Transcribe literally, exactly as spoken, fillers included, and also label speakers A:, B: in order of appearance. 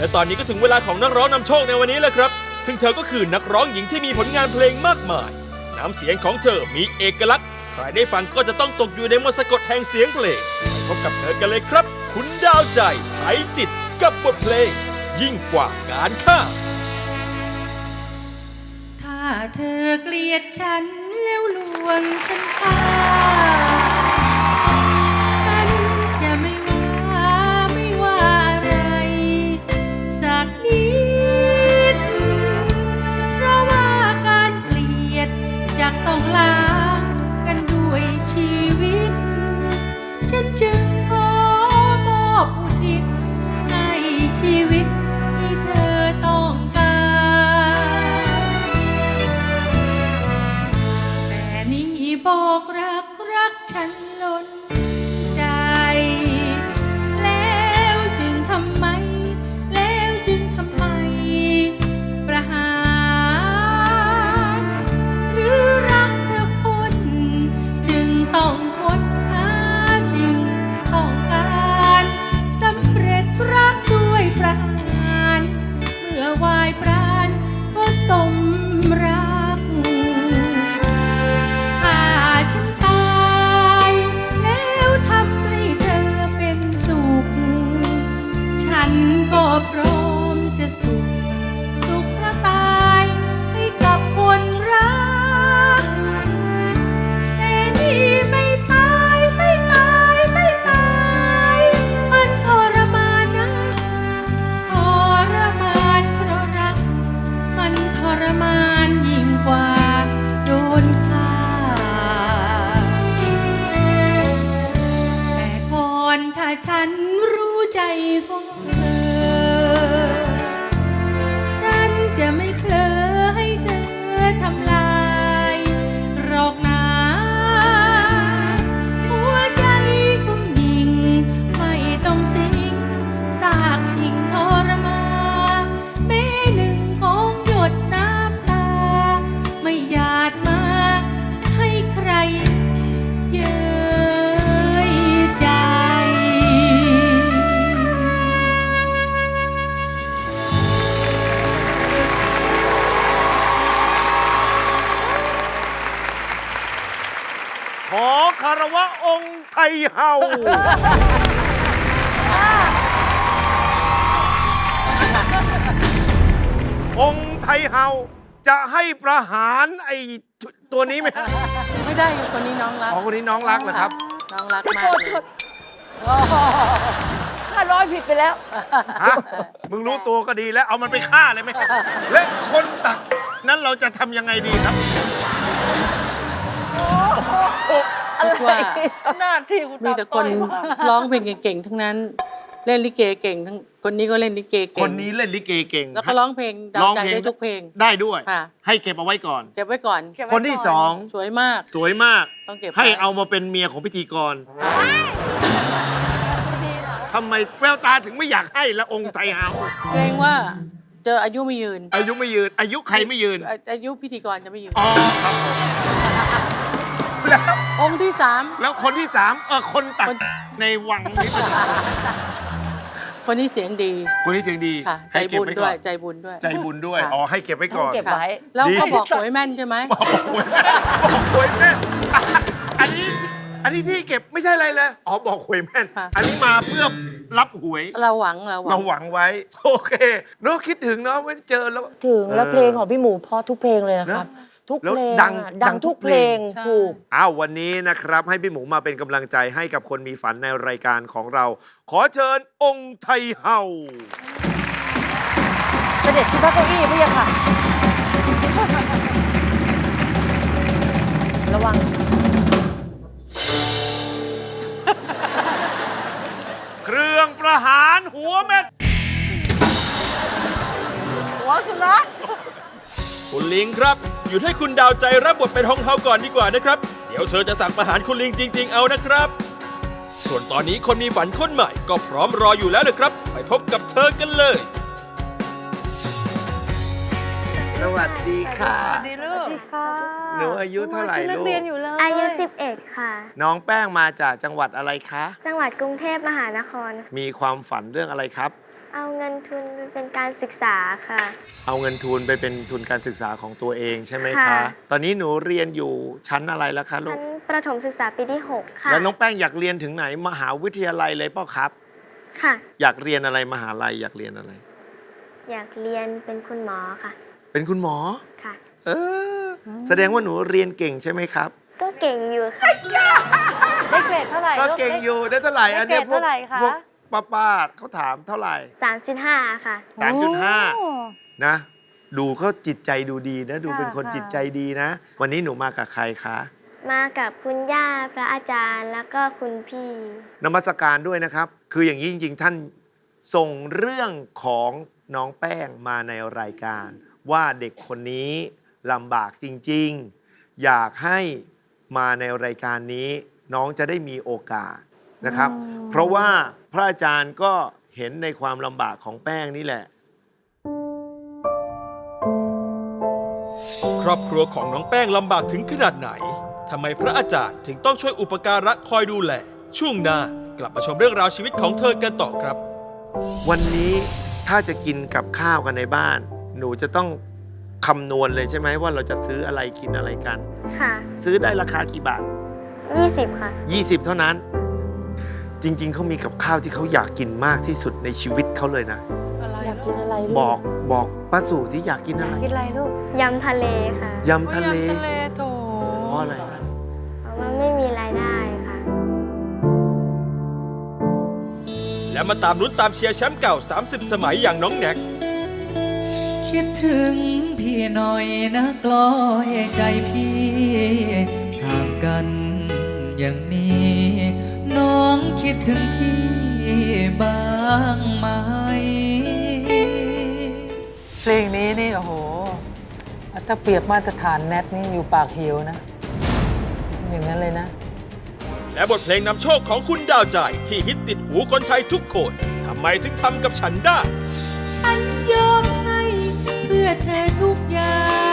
A: และตอนนี้ก็ถึงเวลาของนักร้องนำโชคในวันนี้แล้วครับซึ่งเธอก็คือนักร้องหญิงที่มีผลงานเพลงมากมายน้ำเสียงของเธอมีเอกลักษณ์ใครได้ฟังก็จะต้องตกอยู่ในมนต์สะกดแห่งเสียงเพลงไปพบกับเธอกันเลยครับ คุณดาวใจไถจิตกับบทเพลงยิ่งกว่าการฆ่า
B: ถ้าเธอเกลียดฉันแล้วลวงฉันฆ่าฉันจะไม่ว่าไม่ว่าอะไรสักนิดเพราะว่าการเกลียดจะต้องล้างกันด้วยชีวิตฉันจึงขอมอบอุทิศให้ชีวิตที่เธอต้องบอกรักรักฉันล้นใจแล้วจึงทำไมแล้วจึงทำไมประหารหรือรักเธอคนจึงต้องค้นหาสิ่งต้องการสำเร็จรักด้วยประหารเมื่อวายปราณก็สมรักก็พร้อมจะสุขสุขเพราะตายให้กับคนรักแต่นี่ไม่ตายไม่ตายไม่ตายมันทรมานนะทรมานเพราะรักมันทรมานยิ่งกว่าโดนฆ่าแต่ก่อนถ้าฉันรู้ใจของฉันจะไม่เผลอให้เธอทำลายหรอกนะหัวใจของหญิงไม่ต้องสิงซากสิ่งทรมานแม้หนึ่งของหยดน้ำตาไม่หยาดมาให้ใครเย้ยใจ
C: ขอคารวะองค์ไทเฮาองค์ไทเฮาจะให้ประหารไอ้ตัวนี้ไหมฮะ
B: ไม่ได้คนนี้น้องรัก
C: อ๋อคนนี้น้องรักเหรอครับ
B: น้องรักมากเลย
D: ข้าร้อยผิดไปแล้ว
C: ฮะมึงรู้ตัวก็ดีแล้วเอามันไปฆ่าเลยไหมและคนตักนั้นเราจะทำยังไงดีครับ
B: อะไรหน้าที่มีแต่คนร้องเพลงเก่งๆทั้งนั้นเล่นลิเกเก่งทั้งคนนี้ก็เล่นลิเกเก่ง
C: คนนี้เล่นลิเกเก่ง
B: แล้วก็ร้องเพลงดาวใจได้ทุกเพลง
C: ได้ด้วยให้เก็บเอาไว้ก่อน
B: เก็บไว้ก่อน
C: คนที่สอง
B: สวยมาก
C: สวยมาก
B: ต้องเก็บ
C: ให้เอามาเป็นเมียของพิธีกรทำไมแววตาถึงไม่อยากให้ละองค์ไทเฮา
B: เกรงว่าเจออายุไม่ยืน
C: อายุไม่ยืนอายุใครไม่ยืน
B: อายุพิธีกรจะไม่ยืน
C: อ๋อครับผม
B: องค์ที่สาม
C: แล้วคนที่สามเออคนตัดในวังนี้
B: คนนี้เสียงดี
C: คนนี้เสียงดี
B: ใจบุญด้วยใจบุญด้วย
C: ใจบุญด้วยอ๋อให้เก็บไว้ก่อน
D: เก็บไว้
B: แล้วก็บอกหวยแม่นใช่ไหม
C: บอกหวยแม่นบอกหวยแม่นอันนี้อันนี้ที่เก็บไม่ใช่อะไรเลยอ๋อบอกหวยแม่นอันนี้มาเพื่อรับหวย
B: เราหวังเราหวัง
C: เราหวังไว้โอเคเนาะคิดถึงเนาะไม่เจอแล้ว
D: ถึงแล้วเพลงของพี่หมูเพราะทุกเพลงเลยนะครับทุกเพลงดังดังทุกเพลงถูก
C: อ้าววันนี้นะครับให้พี่หมูมาเป็นกำลังใจให้กับคนมีฝันในรายการของเราขอเชิญองค์ไทเฮา
D: เสด็จที่พระเก้าอี้พี่ค่ะ ระวัง
C: เครื่องประหารหัวเม็ด
D: หัวสุนัข
A: คุณลิงครับหยุดให้คุณดาวใจรับบทเป็นฮองเฮาก่อนดีกว่านะครับเดี๋ยวเธอจะสั่งประหารคุณลิงจริงๆเอานะครับส่วนตอนนี้คนมีฝันคนใหม่ก็พร้อมรออยู่แล้วเลยครับไปพบกับเธอกันเลย
C: สวัสดีค่ะ
D: สวัสดีลูก
C: หนูอายุเท่าไหร่ลูก
E: อายุสิบเอ็ดค่ะ
C: น้องแป้งมาจากจังหวัดอะไรคะ
E: จังหวัดกรุงเทพมหานคร
C: มีความฝันเรื่องอะไรครับ
E: เอาเงินทุนไปเป็นการศึกษาค่ะ
C: เอาเงินทุนไปเป็นทุนการศึกษาของตัวเองใช่ไหมคะ
E: ค่ะ
C: ตอนนี้หนูเรียนอยู่ชั้นอะไรแล้วคะลู
E: ชั้
C: ก
E: นประถมศึกษาปีที่หกค่ะ
C: แล้วน้องแป้งอยากเรียนถึงไหนมหาวิทยาลัยเลยเปล่าครับ
E: ค่ะ
C: อยากเรียนอะไรมหาลัยอยากเรียนอะไร
E: อยากเรียนเป็นคุณหมอค่ะ
C: เป็นคุณหมอ
E: ค่ะ
C: เออ แสดงว่าหนูเรียนเก่งใช่ไหมครับ
E: ก็เก่งอยู่ค่ะ
D: ได้เกรดเท่าไหร่
C: ก็
D: ลู
C: เก่งอยู่ได้เท่าไหร่
D: ได้
C: อันเนี้ย
D: เกรด
C: พวก
D: เท่าไหร่คะ
C: พวกป้าป้าๆเขาถามเท่าไหร่
E: สามจุดห้า ค่ะ
C: สามจุดห้า
D: โอ้
C: นะ ดูเขาจิตใจดูดีนะ ดูเป็นคน
D: ค่ะ
C: จิตใจดีนะ วันนี้หนูมากับใครคะ
E: มากับคุณย่าพระอาจารย์แล้วก็คุณพี่
C: นมัสการด้วยนะครับ คืออย่างนี้จริง ๆ ท่านส่งเรื่องของน้องแป้งมาในรายการ ว่าเด็กคนนี้ลำบากจริง ๆ อยากให้มาในรายการนี้ น้องจะได้มีโอกาสนะครับ เพราะว่าพระอาจารย์ก็เห็นในความลำบากของแป้งนี่แหละ
A: ครอบครัวของน้องแป้งลำบากถึงขนาดไหนทำไมพระอาจารย์ถึงต้องช่วยอุปการะคอยดูแล ช่วงหน้ากลับมาชมเรื่องราวชีวิตของเธอกันต่อครับ
C: วันนี้ถ้าจะกินกับข้าวกันในบ้าน หนูจะต้องคำนวณเลยใช่ไหมว่าเราจะซื้ออะไรกินอะไรกัน
E: ค่ะ
C: ซื้อได้ราคากี่บาท
E: ยี่สิบค่ะ
C: ยี่สิบเท่านั้น จริง ๆ เขามีกับข้าวที่เขาอยากกินมากที่สุดในชีวิตเขาเลยนะ
D: อยากกินอะไรลูก
C: บอกบอกป้าสู่สิอยากกินอะไร
D: กินอะไรลูก
E: ยำทะเลค่ะ
C: ยำทะเล
B: ทะเลโถ
C: เพราะอะไร
E: เพราะว่าไม่มีรายได้ค่ะ
A: และมาตามลุ้นตามเชียร์แชมป์เก่า สามสิบ สมัยอย่างน้องแน็ก
B: คิดถึงพี่หน่อยนะกลอยใจพี่ห่างกันอย่างนี้ น้องคิดถึงพี่บ้างไหม
F: เพลงนี้นี่โอ้โหถ้าเปรียบมาตรฐานแนทนี่อยู่ปากเหวนะ อย่างนั้นเลยนะ
A: และบทเพลงนำโชคของคุณดาวใจที่ฮิตติดหูคนไทยทุกคนทำไมถึงทำกับฉันได้
B: ฉันยอมให้เพื่อเธอทุกอย่าง